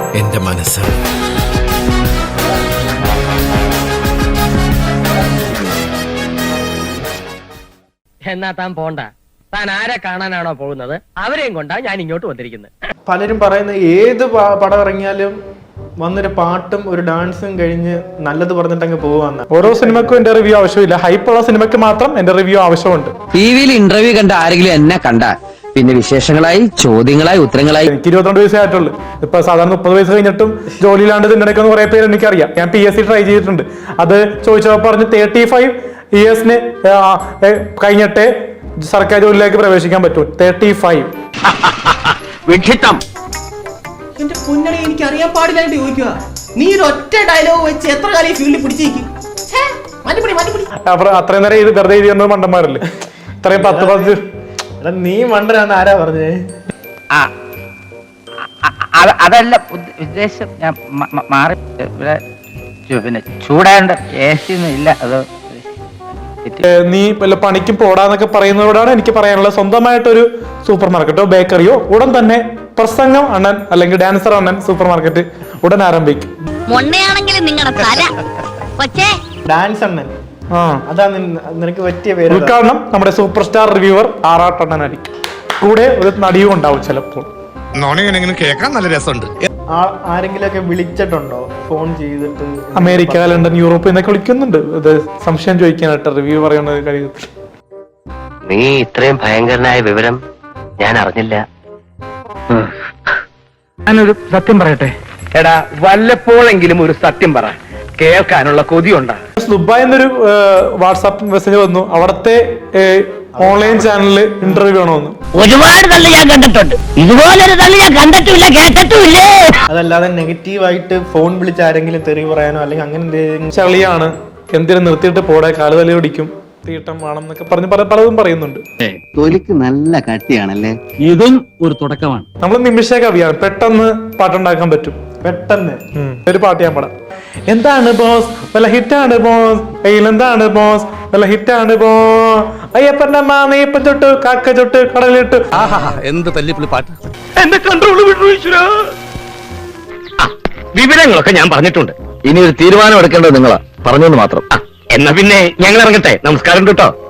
എന്റെ മനസ്സ്. എന്നാ താൻ പോണ്ട. താൻ ആരെ കാണാനാണോ പോകുന്നത് അവരെയും കൊണ്ടാ ഞാൻ ഇങ്ങോട്ട് വന്നിരിക്കുന്നത്. പലരും പറയുന്ന ഏത് പടം ഇറങ്ങിയാലും വന്നൊരു പാട്ടും ഒരു ഡാൻസും കഴിഞ്ഞ് നല്ലത് പറഞ്ഞിട്ടങ്ങ് പോവാന്ന്. ഓരോ സിനിമക്കും എന്റെ റിവ്യൂ ആവശ്യമില്ല. ഹൈപ്പുള്ള സിനിമയ്ക്ക് മാത്രം എന്റെ റിവ്യൂ ആവശ്യമുണ്ട്. ടിവിയിൽ ഇന്റർവ്യൂ കണ്ട ആരെങ്കിലും എന്നെ കണ്ട പിന്നെ വിശേഷങ്ങളായി, ചോദ്യങ്ങളായി, ഉത്തരങ്ങളായി. എനിക്ക് 22 വയസ്സേ ആയിട്ടുള്ളൂ. ഇപ്പൊ സാധാരണ 30 വയസ്സ് കഴിഞ്ഞിട്ടും ജോലിയിലാണ്ട് തിരക്കുന്ന കുറെ പേര് എനിക്കറിയാം. ഞാൻ PSC ട്രൈ ചെയ്തിട്ടുണ്ട്. അത് ചോദിച്ചപ്പോൾ പറഞ്ഞ് 35 ഇയേഴ്സിന് കഴിഞ്ഞിട്ടേ സർക്കാർ ജോലിയിലേക്ക് പ്രവേശിക്കാൻ പറ്റൂ. 35. എന്റെ പൊന്നണി, എനിക്ക് അറിയാൻ പാടില്ലായിട്ട് ചോദിക്കുക. നീ ഒരു ഒറ്റ ഡയലോഗ് വെച്ച് എത്ര കാലം ഈ ഫീൽഡിൽ പിടിച്ചേക്കും? അത്രയും നേരം ഇത് വെറുതെ എഴുതി വന്നത് മണ്ടന്മാരല്ലേ. ഇത്രയും 10 നീ മണ്ടനാണ് ആരാ പറഞ്ഞേ? അതല്ല ഉദ്ദേശം. ഞാൻ മാറി ഇവിടെ പിന്നെ ചൂടാണ്ട് AC ഒന്നും ഇല്ല. അത് നീ വല്ല പണിക്കും പോടാന്നൊക്കെ പറയുന്നതോടാണ് എനിക്ക് പറയാനുള്ളത്. സ്വന്തമായിട്ടൊരു സൂപ്പർ മാർക്കറ്റോ ബേക്കറിയോ ഉടൻ തന്നെ പ്രസംഗം അണ്ണൻ അല്ലെങ്കിൽ ഡാൻസർ അണ്ണൻ സൂപ്പർ മാർക്കറ്റ് ഉടൻ ആരംഭിക്കും. ഡാൻസ് അണ്ണൻ, അതാ നിനക്ക് പറ്റിയ പേര്. ഉദ്ഘാടനം നമ്മുടെ സൂപ്പർ സ്റ്റാർ റിവ്യൂവർ ആറാട്ടണ്ണനായിരിക്കും. കൂടെ ഒരു നടിയും ഉണ്ടാവും ചിലപ്പോൾ. കേൾക്കാൻ നല്ല രസമുണ്ട്. ആരെങ്കിലും ഒക്കെ വിളിച്ചിട്ടുണ്ടോ ഫോൺ ചെയ്തിട്ട്? അമേരിക്ക, ലണ്ടൻ, യൂറോപ്പ് എന്നൊക്കെ വിളിക്കുന്നുണ്ട്. ഇത് സംശയം ചോദിക്കാനായിട്ട് റിവ്യൂ പറയുന്ന കാര്യത്തിൽ. നീ ഇത്രയും ഭയങ്കരനായ വിവരം ഞാൻ അറിഞ്ഞില്ല. ഞാനൊരു സത്യം പറയട്ടെ. എടാ, വല്ലപ്പോഴെങ്കിലും ഒരു സത്യം പറ, കേൾക്കാനുള്ള കൊതിയുണ്ടാ. ദുബായ് എന്നൊരു വാട്സാപ്പ് മെസ്സേജ് വന്നു. അവിടത്തെ ഓൺലൈൻ ചാനലില് ഇന്റർവ്യൂ ആണോന്ന്. ഒരുപാട് തള്ളി ഞാൻ കണ്ടിട്ടുണ്ട്. ഇതുപോലൊരു തള്ളി ഞാൻ കണ്ടിട്ടില്ല, കേട്ടിട്ടില്ലേ. അതല്ലാതെ നെഗറ്റീവായിട്ട് ഫോൺ വിളിച്ച് ആരെങ്കിലും തെറി പറയാനോ അല്ലെങ്കിൽ അങ്ങനെ എന്തെങ്കിലും? ചളിയാണ്, എന്തിനും നിർത്തിയിട്ട് പോടെ, കാലുതലി പിടിക്കും, തീട്ടം വേണം എന്നൊക്കെ പറഞ്ഞ് പലതും പറയുന്നുണ്ട്. തൊലിക്ക് നല്ല കട്ടിയാണല്ലേ. ഇതും ഒരു തുടക്കമാണ്. നമ്മൾ നിമിഷ കവിയാണ്. പെട്ടെന്ന് പാട്ടുണ്ടാക്കാൻ പറ്റും. പെട്ടെന്ന് ഒരു പാട്ട് ഞാൻ പാടാം. എന്താണ് ബോസ് വല്ല ഹിറ്റാണ് ബോസ്, എന്താണ് ബോസ് വല്ല ഹിറ്റാണ് ബോസ്, അയ്യപ്പന്റെ നെയ്യപ്പൻ ചൊട്ട് കാക്ക ചൊട്ട് കടലിട്ട്. എന്ത് തല്ലിപ്പുള്ളി പാട്ട്. എന്റെ കൺട്രോൾ വിട്ടു. വിവരങ്ങളൊക്കെ ഞാൻ പറഞ്ഞിട്ടുണ്ട്. ഇനി ഒരു തീരുമാനം എടുക്കേണ്ടത് നിങ്ങളാ, പറഞ്ഞെന്ന് മാത്രം. എന്നാ പിന്നെ ഞങ്ങൾ ഇറങ്ങട്ടെ. നമസ്കാരം കേട്ടോ.